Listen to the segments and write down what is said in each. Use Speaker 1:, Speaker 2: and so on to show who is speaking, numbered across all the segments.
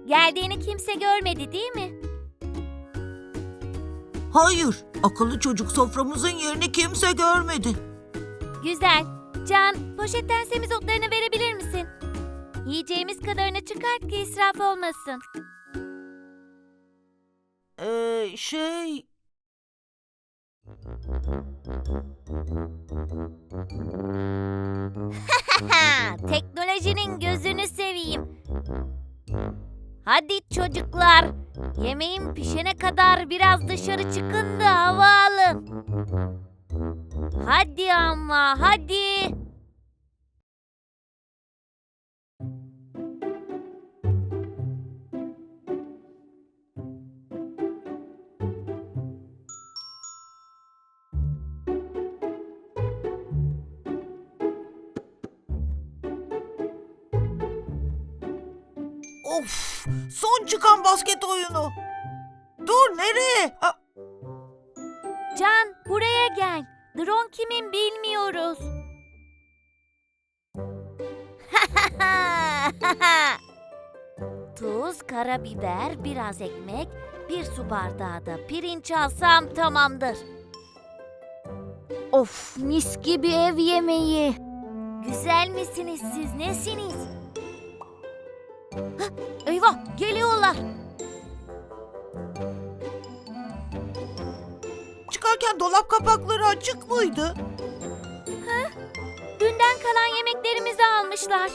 Speaker 1: Geldiğini kimse görmedi değil mi?
Speaker 2: Hayır, akıllı çocuk soframızın yerini kimse görmedi.
Speaker 1: Güzel. Can, poşetten semizotlarını verebilir misin? Yiyeceğimiz kadarını çıkart ki israf olmasın.
Speaker 2: Şey...
Speaker 1: Teknolojinin gözünü seveyim. Hadi çocuklar, yemeğin pişene kadar biraz dışarı çıkın da hava alın. Hadi ama, hadi.
Speaker 2: Of! Son çıkan basket oyunu. Dur, nereye?
Speaker 1: Can, buraya gel. Drone kimin bilmiyoruz. Tuz, karabiber, biraz ekmek, bir su bardağı da pirinç alsam tamamdır. Of, mis gibi ev yemeği. Güzel misiniz siz, nesiniz? Hah, eyvah, geliyorlar.
Speaker 2: Çıkarken dolap kapakları açık mıydı?
Speaker 1: Dünden kalan yemeklerimizi almışlar.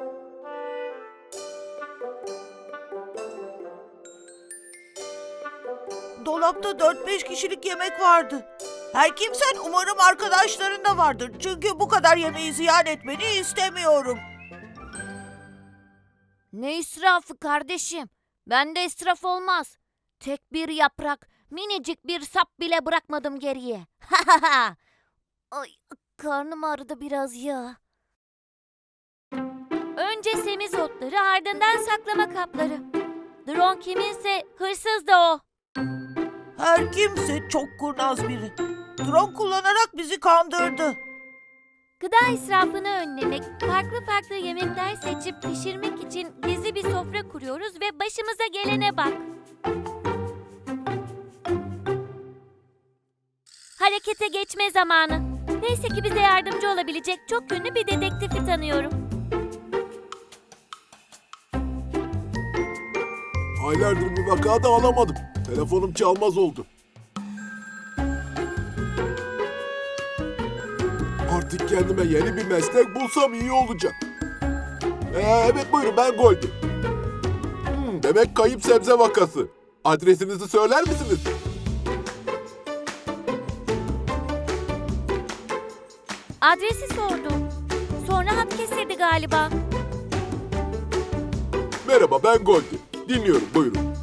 Speaker 2: Dolapta 4-5 kişilik yemek vardı. Her kimsen umarım arkadaşların da vardır. Çünkü bu kadar yemeği ziyan etmeni istemiyorum.
Speaker 1: Ne israfı kardeşim? Bende israf olmaz. Tek bir yaprak, minicik bir sap bile bırakmadım geriye. Ay, karnım ağrıdı biraz ya. Önce semizotları, ardından saklama kapları. Drone kiminse hırsız da o.
Speaker 2: Her kimse çok kurnaz biri. Drone kullanarak bizi kandırdı.
Speaker 1: Gıda israfını önlemek, farklı yemekler seçip pişirmek için gizli bir sofra kuruyoruz ve başımıza gelene bak. Harekete geçme zamanı. Neyse ki bize yardımcı olabilecek çok ünlü bir dedektifi tanıyorum.
Speaker 3: Aylardır bir vaka da alamadım. Telefonum çalmaz oldu. Artık kendime yeni bir meslek bulsam iyi olacak. Evet buyurun, ben Goldie. Demek kayıp sebze vakası. Adresinizi söyler misiniz?
Speaker 1: Adresi sordum. Sonra hat kesildi galiba.
Speaker 3: Merhaba, ben Goldie. Dinliyorum, buyurun.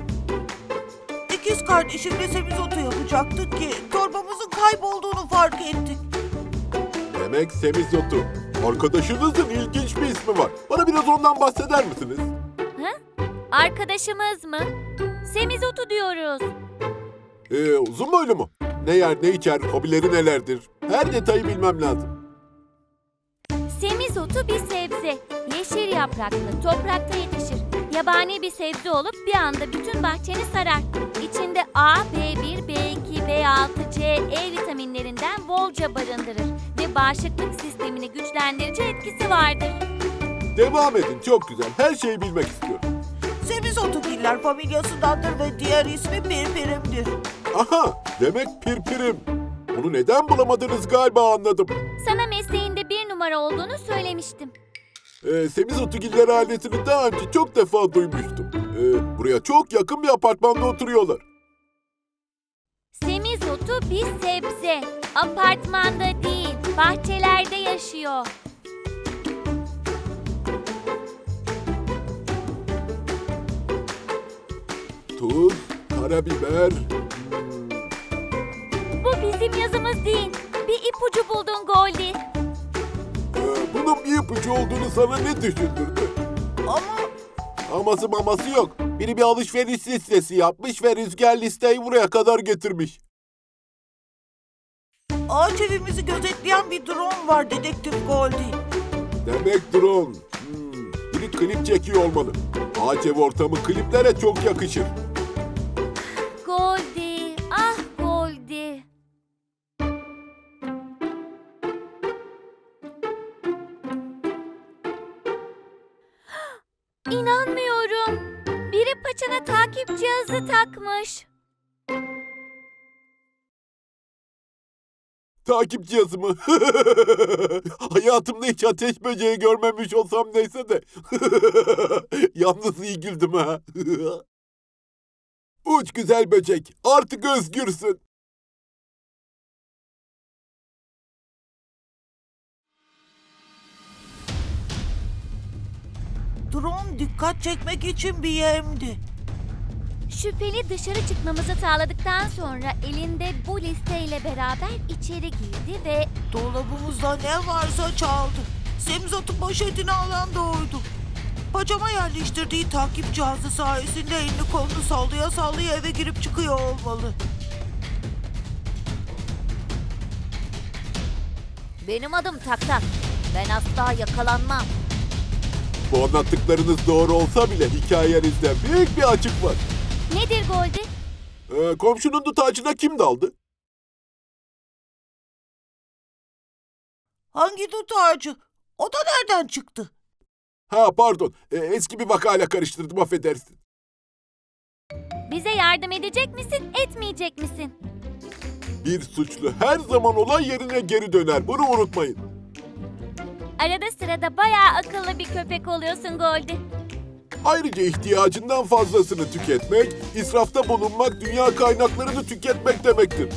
Speaker 2: İkiz kardeşimle semizotu yapacaktık ki torbamızın kaybolduğunu fark ettik.
Speaker 3: Demek semizotu. Arkadaşınızın ilginç bir ismi var. Bana biraz ondan bahseder misiniz?
Speaker 1: Arkadaşımız mı? Semizotu diyoruz.
Speaker 3: Uzun boylu mu? Ne yer, ne içer, hobileri nelerdir? Her detayı bilmem lazım.
Speaker 1: Semizotu bir sebze. Yeşil yapraklı, toprakta yetişir. Yabani bir sebze olup bir anda bütün bahçeni sarar. İçinde A, B1, B2, B6, C, E vitaminlerinden bolca barındırır ve bağışıklık sistemini güçlendirici etkisi vardır.
Speaker 3: Devam edin, çok güzel. Her şeyi bilmek istiyorum.
Speaker 2: Semizotugiller familyasındandır ve diğer ismi pirpirimdir.
Speaker 3: Aha, demek pirpirim. Onu neden bulamadınız galiba anladım.
Speaker 1: Sana mesleğinde bir numara olduğunu söylemiştim.
Speaker 3: Semizotugiller ailesini daha önce çok defa duymuştum. Buraya çok yakın bir apartmanda oturuyorlar.
Speaker 1: Semizotu bir sebze. Apartmanda değil, bahçelerde yaşıyor.
Speaker 3: Tuz, karabiber.
Speaker 1: Bu bizim yazımız değil. Bir ipucu buldun Goldie.
Speaker 3: Bunun bir ipucu olduğunu sana ne düşündürdü? Aması maması yok. Biri bir alışveriş listesi yapmış ve Rüzgar listeyi buraya kadar getirmiş.
Speaker 2: Ağaç evimizi gözetleyen bir drone var dedektif Goldie.
Speaker 3: Demek drone. Biri bir klip çekiyor olmalı. Ağaç ev ortamı kliplere çok yakışır.
Speaker 1: Goldie, ah Goldie. İnanmıyorum. Biri paçana takip cihazı takmış.
Speaker 3: Takip cihazı mı? Hayatımda hiç ateş böceği görmemiş olsam neyse de. Yalnız iyi güldüm ha. Uç güzel böcek, artık özgürsün.
Speaker 2: Drone dikkat çekmek için bir yemdi.
Speaker 1: Şüpheli dışarı çıkmamızı sağladıktan sonra elinde bu listeyle beraber içeri girdi ve
Speaker 2: Dolabımızda ne varsa çaldı. Semizot'un poşetini alan da oydu. Pacama yerleştirdiği takip cihazı sayesinde elini kolunu sallaya sallaya eve girip çıkıyor olmalı.
Speaker 1: benim adım Tak Tak. Ben asla yakalanmam.
Speaker 3: Bu anlattıklarınız doğru olsa bile hikayenizde büyük bir açık var.
Speaker 1: Nedir Goldie?
Speaker 3: Komşunun dut ağacına kim daldı?
Speaker 2: Hangi dut ağacı? O da nereden çıktı?
Speaker 3: Ha pardon, eski bir vakayla karıştırdım, affedersin.
Speaker 1: Bize yardım edecek misin, etmeyecek misin?
Speaker 3: Bir suçlu her zaman olay yerine geri döner, bunu unutmayın.
Speaker 1: Arada sırada bayağı akıllı bir köpek oluyorsun Goldie.
Speaker 3: Ayrıca ihtiyacından fazlasını tüketmek, israfta bulunmak, dünya kaynaklarını tüketmek demektir.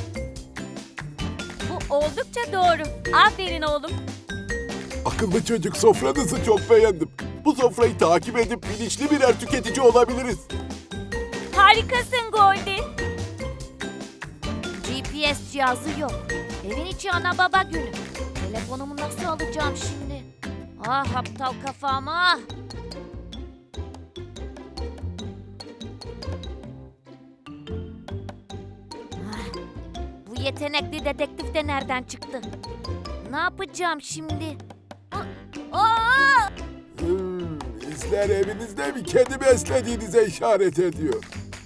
Speaker 1: Bu oldukça doğru. Aferin oğlum.
Speaker 3: Akıllı çocuk, sofranızı çok beğendim. Bu sofrayı takip edip bilinçli birer tüketici olabiliriz.
Speaker 1: Harikasın Goldie. GPS cihazı yok. Evin içi ana baba günü. Telefonumu nasıl alacağım şimdi? Ah aptal kafam ah. Bu yetenekli dedektif de nereden çıktı? Ne yapacağım şimdi? Aa!
Speaker 3: İzler evinizde bir kedi beslediğinize işaret ediyor.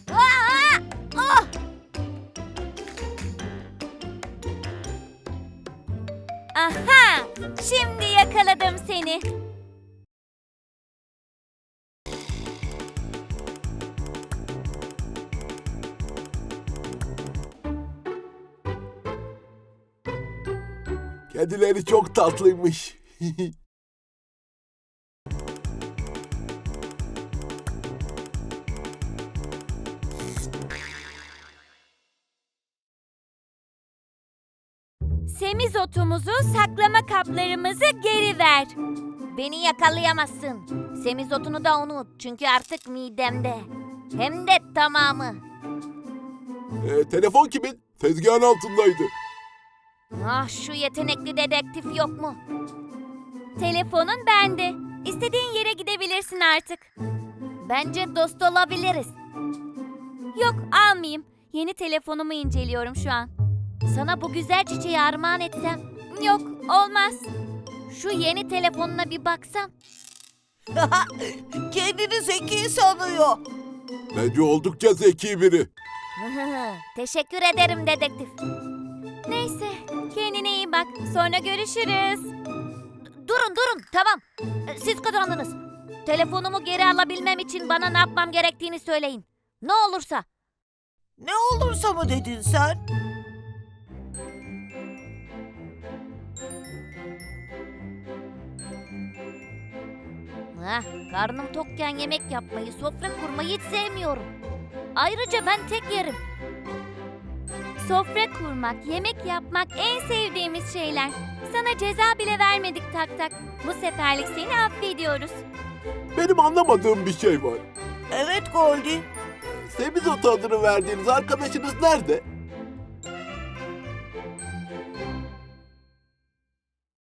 Speaker 1: Aha! Şimdi yakaladım seni.
Speaker 3: Kedileri çok tatlıymış.
Speaker 1: Semizotumuzu, saklama kaplarımızı geri ver. Beni yakalayamazsın. Semizotunu da unut çünkü artık midemde. Hem de tamamı.
Speaker 3: Telefon kimin? Tezgahın altındaydı.
Speaker 1: Ah şu yetenekli dedektif yok mu? Telefonun bende. İstediğin yere gidebilirsin artık. Bence dost olabiliriz. Yok almayayım. Yeni telefonumu inceliyorum şu an. Sana bu güzel çiçeği armağan etsem. Yok olmaz. Şu yeni telefonuna bir baksam.
Speaker 2: Kendini zeki sanıyor.
Speaker 3: Bence oldukça zeki biri.
Speaker 1: Teşekkür ederim dedektif. Neyse kendine iyi bak. Sonra görüşürüz. Durun tamam. Siz kazandınız. Telefonumu geri alabilmem için bana ne yapmam gerektiğini söyleyin. Ne olursa.
Speaker 2: Ne olursa mı dedin sen?
Speaker 1: Karnım tokken yemek yapmayı, sofra kurmayı hiç sevmiyorum. Ayrıca ben tek yerim. Sofra kurmak, yemek yapmak en sevdiğimiz şeyler. Sana ceza bile vermedik Tak Tak. Bu seferlik seni affediyoruz.
Speaker 3: Benim anlamadığım bir şey var.
Speaker 2: Evet Goldie.
Speaker 3: Semizot adını verdiğiniz arkadaşınız nerede?